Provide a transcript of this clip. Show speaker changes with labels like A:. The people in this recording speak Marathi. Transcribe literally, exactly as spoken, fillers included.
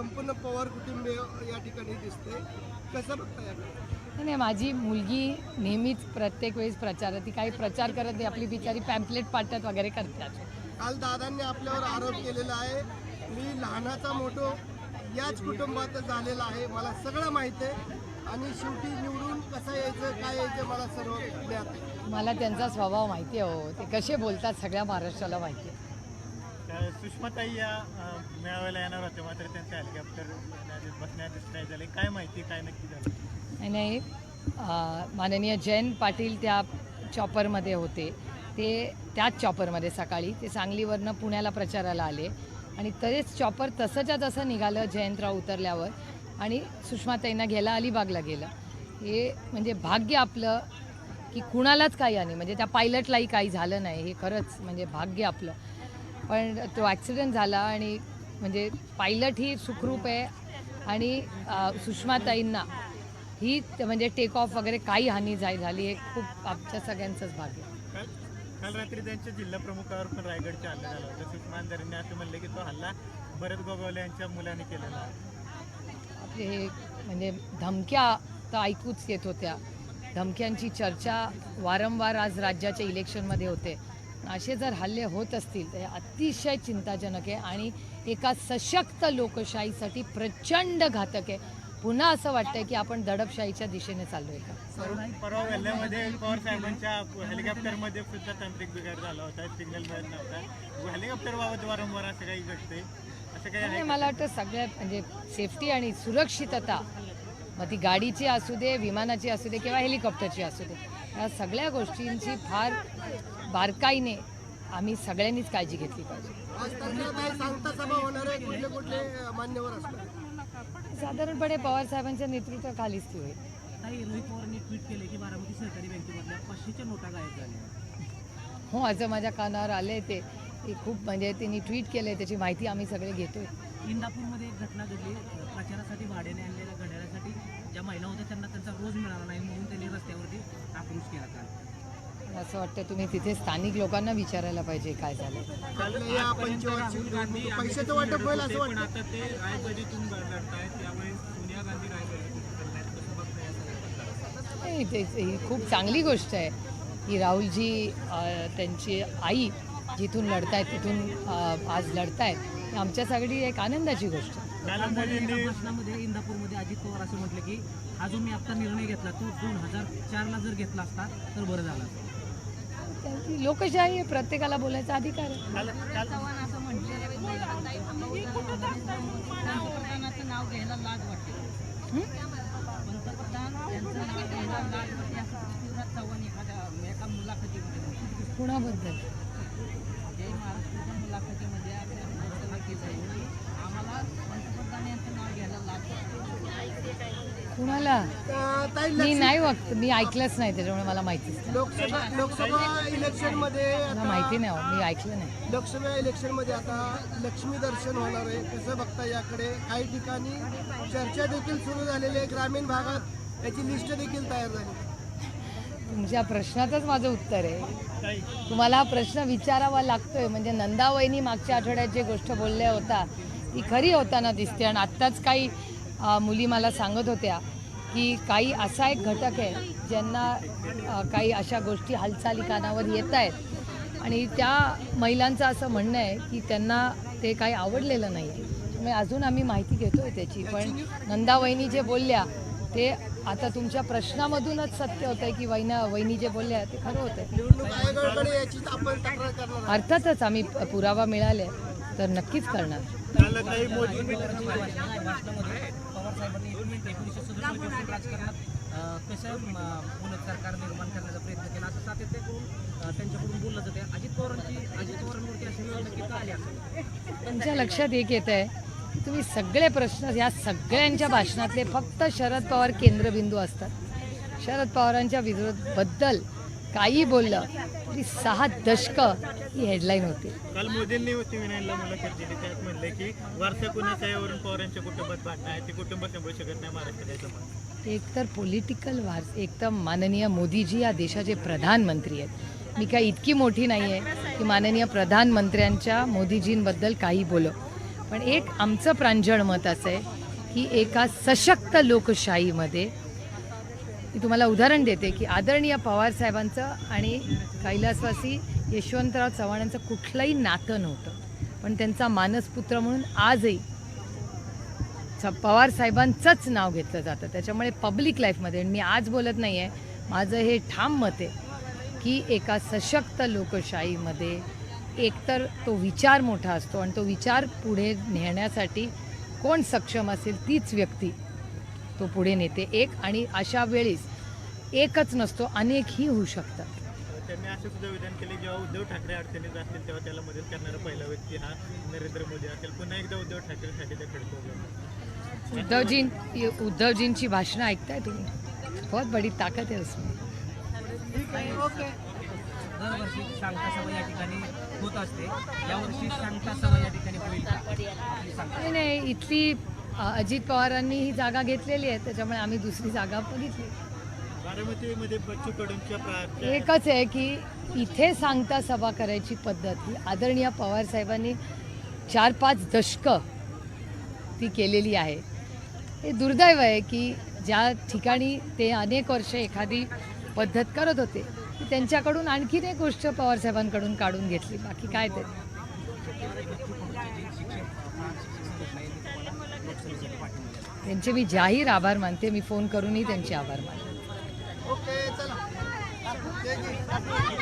A: संपूर्ण पवार कुटुंब या ठिकाणी दिसते, कसं बघता याकडे?
B: नाही, माझी मुलगी नेहमीच प्रत्येक वेळेस प्रचार ती काही प्रचार करत नाही, आपली बिचारी पॅम्पलेट पाठत वगैरे करतात.
A: काल दादांनी आपल्यावर आरोप केलेला आहे, मी लहानाचा मोठो याच कुटुंबात झालेला आहे, मला सगळं माहिती आहे आणि शेवटी निवडून कसं यायचं काय यायचं मला सर्व ज्ञात आहे.
B: मला त्यांचा स्वभाव माहिती आहे हो, ते कसे बोलतात सगळ्या महाराष्ट्राला माहिती आहे.
C: सुषमाताई या मेळाव्याला येणार होते, मात्र त्यांचं हेलिकॉप्टर बसण्यात नाही झाले, काय माहिती काय नक्की झालं?
B: नाही नाही, माननीय जयंत पाटील त्या चॉपरमध्ये होते, ते त्याच चॉपरमध्ये सकाळी ते सांगलीवरनं पुण्याला प्रचाराला आले आणि तरीच चॉपर तसंच्या तसं निघालं जयंतराव उतरल्यावर आणि सुषमाताईंना घ्यायला अलिबागला गेलं. हे म्हणजे भाग्य आपलं की कुणालाच काही आणि म्हणजे त्या पायलटलाही काही झालं नाही, हे खरंच म्हणजे भाग्य आपलं. पण तो ॲक्सिडेंट झाला आणि म्हणजे पायलट ही सुखरूप आहे आणि सुषमाताईंना ही म्हणजे टेक ऑफ वगैरे काही हानी जाय झाली हे खूप आमच्या सगळ्यांचंच भाग्य.
C: काल काल रात्री त्यांच्या जिल्हा प्रमुखावर पण रायगडचा हल्ला झाला होता. सुषमा अंधारेंनी असं म्हणले की तो हल्ला भरत गोगावले यांच्या मुलाने केलेला आहे.
B: आपले हे म्हणजे धमक्या तर ऐकूच येत होत्या, धमक्यांची चर्चा वारंवार आज राज्याच्या इलेक्शनमध्ये होते. असे जर हल्ले होत असतील तर हे अतिशय चिंताजनक आहे आणि एका सशक्त लोकशाहीसाठी प्रचंड घातक आहे. पुन्हा असं वाटतंय की आपण दडपशाहीच्या दिशेने चाललोय का?
C: परवा वेल्ल्यामध्ये पवार साहेबांच्या हेलिकॉप्टरमध्ये सुद्धा तांत्रिक बिघाड झाला होता, सिग्नल मिळत नव्हता. हेलिकॉप्टरबाबत वारंवार असं काही घडतंय, असं काही आहे?
B: मला वाटतं सगळ्यात म्हणजे सेफ्टी आणि सुरक्षितता, मग ती गाडीची असू दे, विमानाची असू दे किंवा हेलिकॉप्टरची असू दे, या सगळ्या गोष्टींची फार बारकाईने आम्ही सगळ्यांनीच काळजी घेतली पाहिजे.
A: आज तारखेला सांगता सभा होणार आहे, कुठले कुठले मान्यवर असणार?
B: साधारणपणे पवार साहेबांच्या नेतृत्वाखालीच ती होईल.
D: काही रोहित पवारांनी ट्विट केले की बारामती सहकारी बँकेमधल्या पाचशेच्या नोटा गायब झाल्या.
B: हो, असं माझ्या कानावर आले ते ते खूप म्हणजे त्यांनी ट्विट केलं, त्याची माहिती आम्ही सगळे घेतोय.
D: इंदापूरमध्ये एक घटना घडली, प्रचारासाठी भाड्याने आणलेल्या घड्याळासाठी ज्या महिला होत्या त्यांना त्यांचा रोज मिळाला नाही म्हणून त्यांनी रस्त्यावरती आक्रोश केला. काल
B: असं वाटतं तुम्ही तिथे स्थानिक लोकांना विचारायला पाहिजे काय झालं.
A: या पंचवार्षिक निवडणुकीत पैशाचं वाटप होईल असं वाटतं.
C: आता ते रायबरीतून लढतायत, त्यामुळे सोनिया गांधी रायबरीतून करतायत, कसं बघताय?
B: नाही, ते ही खूप चांगली गोष्ट आहे की राहुलजी त्यांची आई जिथून लढतायत तिथून आज लढतायत, आमच्यासाठी एक आनंदाची गोष्ट आहे.
D: भाषणामध्ये इंदापूरमध्ये अजित पवार असं म्हटलं की हा जो मी आता निर्णय घेतला तो दोन हजार चारला जर घेतला असता तर बरं झालं.
B: त्यांची लोकशाही आहे, प्रत्येकाला बोलायचा अधिकार आहे.
E: चव्हाण असं म्हटले पंतप्रधानाचं नाव घ्यायला लाज वाटते, पंतप्रधान यांचं नाव घ्यायला लाज वाटते असं पृथ्वीराज चव्हाण एखाद्या एका मुलाखतीमध्ये
B: कुणाबद्दल?
E: जय महाराष्ट्राच्या मुलाखतीमध्ये आपल्या घोषणा केली, आम्हाला पंतप्रधान यांचं नाव घ्यायला लाज वाटते.
B: कुणाला?
A: अं, ताई,
B: मी
A: लक्ष्मी-
B: नाही वक्त मी ऐकलंच नाही, त्याच्यामुळे मला माहितीच नाही.
A: लोकसभा लोकसभा इलेक्शनमध्ये
B: मला माहिती नाही हो, मी ऐकलं नाही.
A: लोकसभा इलेक्शनमध्ये आता लक्ष्मी दर्शन होणार आहे, कसं बघता याकडे? काही ठिकाणी चर्चा देखील सुरू झालेली आहे, ग्रामीण भागात याची लिस्ट देखील तयार झाली.
B: तुमच्या प्रश्नातच माझं उत्तर आहे. तुम्हाला हा प्रश्न विचारावा लागतोय म्हणजे नंदावहिनी मागच्या आठवड्यात जे गोष्ट बोलल्या होता ती खरी होताना दिसते. आणि आत्ताच काही मुली मला सांगत होत्या की काही असा एक घटक आहे ज्यांना काही अशा गोष्टी हालचाली कानावर येत आहेत आणि त्या महिलांचं असं म्हणणं आहे की त्यांना ते काही आवडलेलं नाही. त्यामुळे अजून आम्ही माहिती घेतोय त्याची. पण नंदावहिनी जे बोलल्या ते आता तुमच्या प्रश्नामधूनच सत्य होतं आहे की वहिना वहिनी जे बोलल्या ते खरं होतं.
A: निवडणूक आयोगाकडे याची आपण तक्रार करणार.
B: अर्थातच आम्ही पुरावा मिळाले तर नक्कीच करणार.
D: भाषणामध्ये पवार साहेबांनी एकोणीसशे सदुसष्ट राजकारणात कसं पुनः सरकार निर्माण करण्याचा प्रयत्न केला असं सातत्य करून त्यांच्याकडून बोललं जाते. अजित पवारांची अजित पवारांवरती अशी वेळ नक्की का आली असेल?
B: त्यांच्या लक्षात एक येत आहे की तुम्ही सगळे प्रश्न या सगळ्यांच्या भाषणातले फक्त शरद पवार केंद्रबिंदू असतात. शरद पवारांच्या विरोधाबद्दल काही बोललं तरी सहा दशकं ही हेडलाईन होती.
C: काल मोदींनी टी व्ही नाईनला मुलाखत दिली, त्यात म्हणले की वारसा कुणाचा यावरून पवारांच्या कुटुंबात भांडणं आहे, ते कुटुंब सांभाळू शकत नाही महाराष्ट्रात.
B: एक तर पॉलिटिकल वार्स, एक तर माननीय मोदीजी या देशाचे प्रधानमंत्री आहेत. मी काही इतकी मोठी नाही आहे की माननीय प्रधानमंत्र्यांच्या मोदीजींबद्दल काही बोलो, पण एक आमचं प्रांजळ मत असं आहे की एका सशक्त लोकशाहीमध्ये मी तुम्हाला उदाहरण देते की आदरणीय पवारसाहेबांचं आणि कैलासवासी यशवंतराव चव्हाणांचं कुठलंही नातं नव्हतं, पण त्यांचा मानसपुत्र म्हणून आजही स- पवारसाहेबांचंच नाव घेतलं जातं. त्याच्यामुळे पब्लिक लाईफमध्ये मी आज बोलत नाही आहे, माझं हे ठाम मत आहे की एका सशक्त लोकशाहीमध्ये एकतर तो विचार मोठा असतो आणि तो विचार पुढे नेण्यासाठी कोण सक्षम असेल तीच व्यक्ती तो पुढे नेते एक, आणि अशा वेळेस एकच नसतो, अनेकही होऊ शकतात.
C: त्यांनी असं सुद्धा विधान केले, जेव्हा उद्धव ठाकरे अडचणीत असतील तेव्हा त्याला मदत करणारा पहिला व्यक्ती हा नरेंद्र मोदी असेल. पुन्हा एकदा उद्धव ठाकरेसाठी ते खडको.
B: उद्धवजी उद्धवजींची भाषणं ऐकताय तुम्ही? बहुत बडी ताकद आहे उसमें.
D: दरवर्षी शांता सभा या ठिकाणी होत असते, यावर्षी शांता सभा या ठिकाणी होईल का? आपली सांगता.
B: नाही नाही, इथली अ, अजित पवारांनी ही जागा घेतलेली आहे, त्याच्यामुळे आम्ही दुसरी जागा बघितली.
C: बारामतीमध्ये बच्चू कडूंच्या प्रा-
B: एकच आहे की इथे सांगता सभा करायची पद्धत ही आदरणीय पवारसाहेबांनी चार पाच दशकं ती केलेली आहे. हे दुर्दैव आहे की ज्या ठिकाणी ते अनेक वर्ष एखादी पद्धत करत होते ती त्यांच्याकडून आणखीन एक गोष्ट पवारसाहेबांकडून काढून घेतली, बाकी काय ते. त्यांचे मी जाहीर आभार मानते, मी फोन करूनही त्यांचे आभार मानते.
A: ओके चला.